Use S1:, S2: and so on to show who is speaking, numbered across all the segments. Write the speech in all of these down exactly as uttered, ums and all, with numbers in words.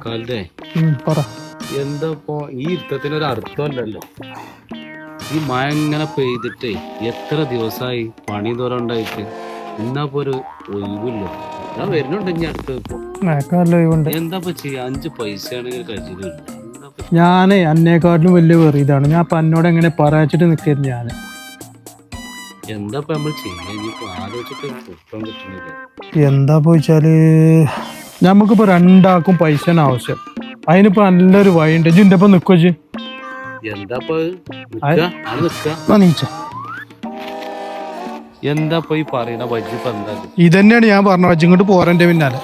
S1: കാലിന്റെ എന്താ ഇപ്പൊ ഈ യുദ്ധത്തിനൊരു അർത്ഥമല്ലല്ലോ. ഈ മഴ ഇങ്ങനെ പെയ്തിട്ടേ എത്ര ദിവസമായി പണി തോരണ്ടായിട്ട് ഇന്നപ്പോ ഒരു ഒഴിവില്ല. ഞാൻ വരുന്നുണ്ട് ഇനി അടുത്ത് ഇപ്പൊ എന്താ ചെയ്യാ? അഞ്ച് പൈസ ആണെങ്കിൽ കഴിച്ചില്ല.
S2: ഞാനേ അന്നേക്കാട്ടിലും വലിയ വെറിയതാണ്. ഞാൻ അപ്പൊ എന്നോട് എങ്ങനെ പറയാച്ചിട്ട് നിൽക്കരുത്. ഞാൻ
S1: എന്താ നമ്മൾ ചെയ്യാ ആലോചിച്ചിട്ട് കുറ്റം കിട്ടുന്നില്ല.
S2: എന്താ പോയിച്ചാല് നമുക്കിപ്പോ രണ്ടാക്കും പൈസ ആവശ്യം. അതിനിപ്പോ നല്ലൊരു വഴിയുണ്ട്. ഇജിന്റെ ഒപ്പം നിക്കോ?
S1: എന്താ എന്താ പോയി പറയണ വജ്ജി എന്താ?
S2: ഇതന്നെയാണ് ഞാൻ പറഞ്ഞ വജ്ജി ഇങ്ങോട്ട് പോരന്റെ പിന്നാലെ.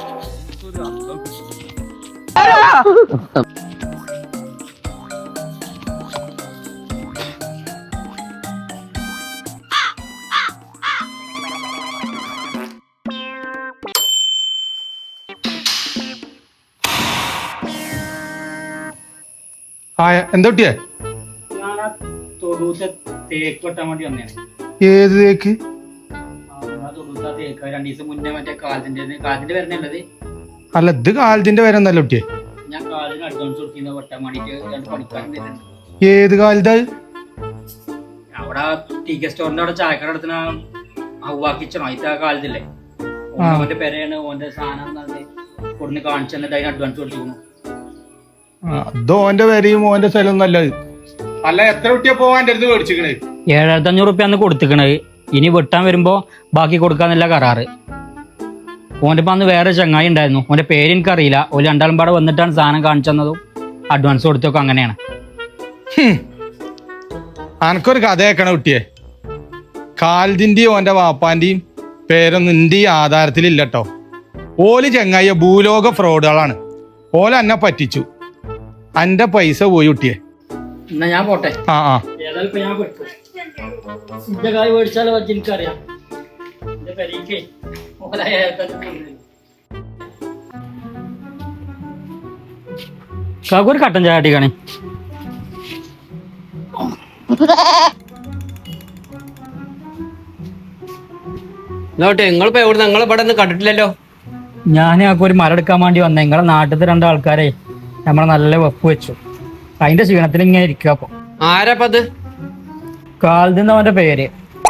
S2: എന്താ കുട്ടിയെ? ഏത് തേക്ക്? അല്ല ഇത് കാലത്തിന്റെ പേരെന്നല്ല കുട്ടിയെ. ഏത് കാലത്ത്?
S3: അവിടെ ടി കെ സ്റ്റോറിന്റെ അവിടെ ചായക്കട നടത്തുന്ന ഔവാക്കിച്ചണോ അതിന്റെ കാലത്തില്ലേ? ഓന്റെ പേരാണ്. ഓന്റെ സാധനം കൊടുന്ന് കാണിച്ചു തന്നിട്ട് അതിന് അഡ്വാൻസ് കൊടുത്തിരുന്നു.
S2: അത് ഓന്റെ പേരെയും ഓന്റെ സ്ഥലം നല്ലത്. അല്ല എത്ര കുട്ടിയെ പോവാൻ അടുത്ത് മേടിച്ചിക്കണേ?
S3: ഏഴായിരത്തി അഞ്ഞൂറ് റുപ്യ അന്ന് കൊടുത്തിക്കണത്. ഇനി വെട്ടാൻ വരുമ്പോ ബാക്കി കൊടുക്കാന്നല്ല കരാറ്. ഓന്റെ ഇപ്പൊ അന്ന് വേറെ ചങ്ങായി ഉണ്ടായിരുന്നു. ഓന്റെ പേര് എനിക്കറിയില്ല. ഒരു രണ്ടാളും പാടെ വന്നിട്ടാണ് സാധനം കാണിച്ചു തന്നതും അഡ്വാൻസ് കൊടുത്തൊക്കെ അങ്ങനെയാണ്.
S2: അനക്കൊരു കഥ കേൾക്കണ കുട്ടിയെ. കാലിന്റെയും ഓന്റെ വാപ്പാന്റെയും പേരൊന്നും നിന്റെ ഈ ആധാരത്തിലില്ലട്ടോ. ഓല് ചങ്ങായിയ ഭൂലോക ഫ്രോഡുകളാണ്. ഓല എന്നെ പറ്റിച്ചു. അന്റെ പൈസ പോയി കുട്ടിയെ.
S3: എന്നാ ഞാൻ പോട്ടെ.
S2: ആ ആ
S3: ഏതായാലും ഞാൻ പെട്ടു. എന്റെ കായ് മേടിച്ചാലോ പറ്റി എനിക്കറിയാം. എന്റെ പെരീക്കേ ഒരു കട്ടൻ ചായ അടിക്കണേ.
S1: നിങ്ങളിപ്പോ എവിടെ? നിങ്ങളെ ഇവിടെ കണ്ടിട്ടില്ലല്ലോ.
S3: ഞാൻ ആ ഒരു മരം എടുക്കാൻ വേണ്ടി വന്നേ. നിങ്ങളെ നാട്ടിലത്തെ രണ്ടാൾക്കാരെ നമ്മളെ നല്ല വെപ്പ് വെച്ചു. അതിന്റെ ക്ഷീണത്തിൽ ഇങ്ങനെ ഇരിക്കുക. അപ്പൊ
S1: ആരാപ്പത്?
S3: കാൽദിന്ന് അവന്റെ പേര്.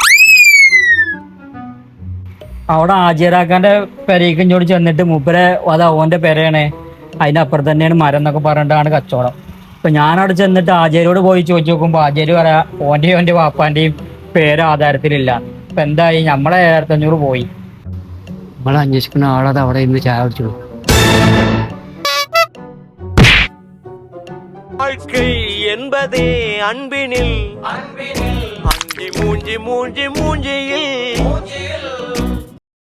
S3: അവിടെ ആചാരാക്കാന്റെ പെരയ്ക്ക് ഇങ്ങോട്ട് ചെന്നിട്ട് മൂപ്പരെ അത് ഓന്റെ പെരയാണ്, അതിന്റെ അപ്പുറത്ത് തന്നെയാണ് മരം എന്നൊക്കെ പറഞ്ഞിട്ടാണ് കച്ചവടം. ഇപ്പൊ ഞാനവിടെ ചെന്നിട്ട് ആചാര്യോട് പോയി ചോദിച്ചു നോക്കുമ്പോ ആചാര്യ പറയാ ഓന്റെയും ഓന്റെ വാപ്പാന്റെയും പേര് ആധാരത്തിലില്ല. ഇപ്പൊ എന്തായി? നമ്മളെ ഏഴായിരത്തി അഞ്ഞൂറ് പോയി.
S1: നമ്മളെ അന്വേഷിക്കുന്ന ആളത് അവിടെ ഇന്ന് ചായ കുടിച്ചു.
S4: வாழ்க்கை என்பதே அன்பினில் அன்பினில் அஞ்சி மூஞ்சி மூஞ்சி மூஞ்சியில்